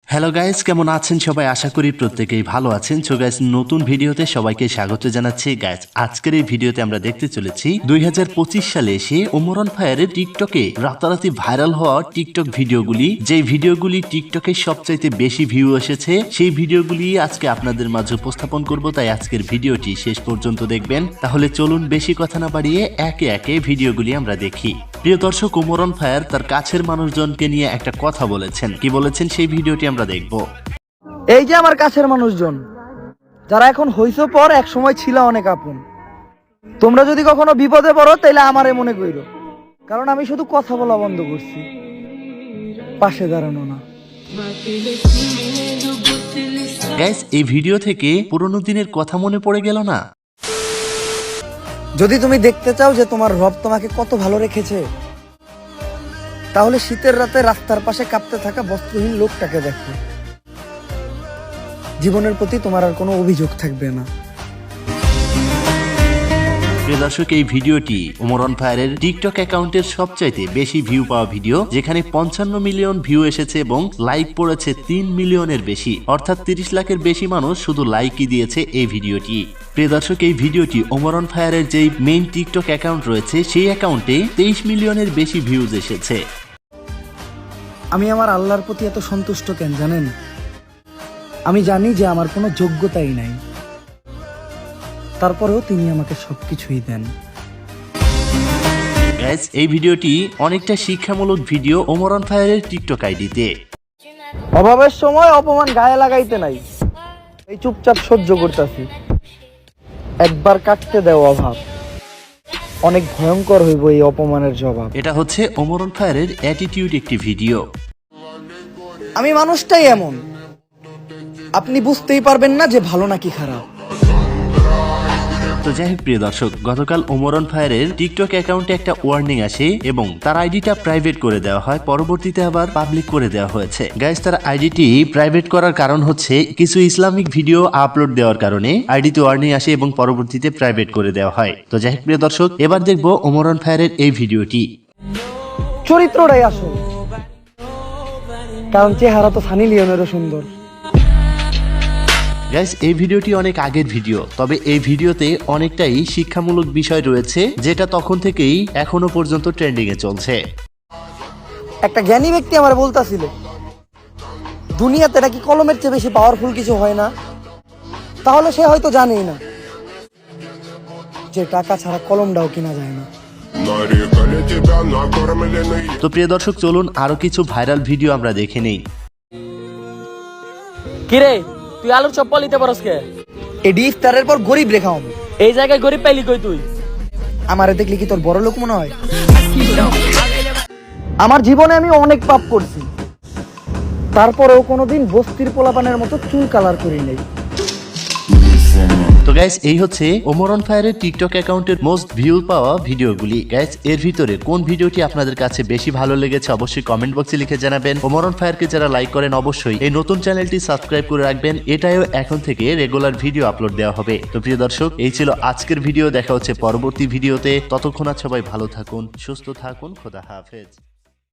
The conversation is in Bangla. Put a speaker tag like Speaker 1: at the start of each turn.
Speaker 1: হ্যালো গাইস, কেমন আছেন সবাই? আশা করি প্রত্যেকেই ভালো আছেন। সো গাইস, নতুন ভিডিওতে সবাইকে স্বাগত জানাচ্ছি। গাইস, আজকের এই ভিডিওতে আমরা দেখতে চলেছি 2025 সালে এসে ওমর অন ফায়ারের টিকটকে রাতারাতি ভাইরাল হওয়া টিকটক ভিডিওগুলি, যে ভিডিওগুলি টিকটকে সবচাইতে বেশি ভিউ এসেছে, সেই ভিডিওগুলি আজকে আপনাদের মাঝে উপস্থাপন করব। তাই আজকের ভিডিওটি শেষ পর্যন্ত দেখবেন। তাহলে চলুন বেশি কথা না বাড়িয়ে একে একে ভিডিওগুলি আমরা দেখি। প্রিয় দর্শক, ওমর অন ফায়ার তার কাছের মানুষজনকে নিয়ে একটা কথা বলেছেন। কি বলেছেন সেই ভিডিওটি আমরা দেখব।
Speaker 2: এই যে আমার কাছের মানুষজন যারা এখন হইছো পর, এক সময় ছিল অনেক আপন। তোমরা যদি কখনো বিপদে পড়ো তাইলে আমারে মনে কইরো, কারণ আমি শুধু কথা বলা বন্ধ করছি, পাশে দাঁড়ানো না।
Speaker 1: গাইস, এই ভিডিও থেকে পুরনো দিনের কথা মনে পড়ে গেল না?
Speaker 2: যদি তুমি দেখতে চাও যে তোমার রব তোমাকে কত ভালো রেখেছে, তাহলে শীতের রাতে রাস্তার পাশে কাঁপতে থাকা বস্ত্রহীন লোকটাকে দেখো। জীবনের প্রতি তোমার আর কোনো অভিযোগ থাকবে না।
Speaker 1: প্রিয় দর্শক, এই ভিডিওটি ওমর অন ফায়ারের টিকটক অ্যাকাউন্টের সবচাইতে বেশি ভিউ পাওয়া ভিডিও, যেখানে 55 মিলিয়ন ভিউ এসেছে এবং লাইক পড়েছে 3 মিলিয়নের বেশি, অর্থাৎ 30 লাখের বেশি মানুষ শুধু লাইকই দিয়েছে এই ভিডিওটি। প্রিয় দর্শক, এই ভিডিওটি ওমর অন ফায়ারের যেই মেইন টিকটক অ্যাকাউন্ট রয়েছে, সেই অ্যাকাউন্টে 23 মিলিয়নের বেশি ভিউজ এসেছে।
Speaker 2: আমি আমার আল্লাহর প্রতি এত সন্তুষ্ট কেন জানেন? আমি জানি যে আমার কোনো যোগ্যতাই নাই, তারপরেও তিনি আমাকে সবকিছুই দেন।
Speaker 1: গাইস, এই ভিডিওটি অনেকটা শিক্ষামূলক ভিডিও ওমর অন ফায়ারের টিকটক আইডিতে।
Speaker 2: অভাবের সময় অপমান গায়ে লাগাইতে নাই, এই চুপচাপ সহ্য করতেছি। একবার কাটতে দেও অভাব, অনেক ভয়ঙ্কর হইব এই অপমানের জবাব।
Speaker 1: এটা হচ্ছে ওমর অন ফায়ারের অ্যাটিটিউড একটি ভিডিও।
Speaker 2: আমি মানুষটাই এমন, আপনি বুঝতেই পারবেন না যে ভালো নাকি খারাপ।
Speaker 1: তো যাই হোক প্রিয় দর্শক, গতকাল ওমর অন ফায়ারের টিকটক অ্যাকাউন্টে একটা ওয়ার্নিং আসে এবং তার আইডিটা প্রাইভেট করে দেওয়া হয়, পরবর্তীতে আবার পাবলিক করে দেওয়া হয়েছে। গাইস, তার আইডিটি প্রাইভেট করার কারণ হচ্ছে কিছু ইসলামিক ভিডিও আপলোড দেওয়ার কারণে আইডিতে ওয়ার্নিং আসে এবং পরবর্তীতে প্রাইভেট করে দেওয়া হয়। তো যাই হোক প্রিয় দর্শক, এবার দেখবো ওমর অন ফায়ারের এই ভিডিওটি।
Speaker 2: চরিত্রটাই আসল, কারণ চেহারা তো সানি লিওনেরও সুন্দর।
Speaker 1: গাইস, এই ভিডিওটি অনেক আগের ভিডিও, তবে এই ভিডিওতে অনেকটাই শিক্ষামূলক বিষয় রয়েছে, যেটা তখন থেকেই এখনো পর্যন্ত ট্রেন্ডিং এ চলছে।
Speaker 2: একটা জ্ঞানী ব্যক্তি আমার বলতাছিল, দুনিয়াতে নাকি কলমের চেয়ে বেশি পাওয়ারফুল কিছু হয় না। তাহলে সে হয়তো জানেই না যে টাকা ছাড়া কলমটাও কিনা যায় না।
Speaker 1: তো প্রিয় দর্শক, চলুন আরো কিছু ভাইরাল ভিডিও আমরা দেখে নেই।
Speaker 3: কিরে, তুই আলুর চপ নিতে পারস কে?
Speaker 2: এডি ইফতারের পর গরিব রেখা হবে।
Speaker 3: এই জায়গায় গরিব পাইলি কই তুই?
Speaker 2: আমারে দেখলি কি তোর বড় লোক মনে হয়? আমার জীবনে আমি অনেক পাপ করছি, তারপরেও কোনোদিন বস্তির পোলাপানের মতো চুল কালার করি নাই।
Speaker 1: তো গাইস, এই হচ্ছে ওমর অন ফায়ারের টিকটক অ্যাকাউন্টের মোস্ট ভিউ পাওয়া ভিডিওগুলি। গাইস, এর ভিতরে কোন ভিডিওটি আপনাদের কাছে বেশি ভালো লেগেছে অবশ্যই কমেন্ট বক্সে লিখে জানাবেন। ওমর অন ফায়ারকে যারা লাইক করেন অবশ্যই এই নতুন চ্যানেলটি সাবস্ক্রাইব করে রাখবেন, এটাও এখন থেকে রেগুলার ভিডিও আপলোড দেওয়া হবে। তো প্রিয় দর্শক, এই ছিল আজকের ভিডিও। দেখা হচ্ছে পরবর্তী ভিডিওতে। ততক্ষণ সবাই ভালো থাকুন, সুস্থ থাকুন, খোদা হাফেজ।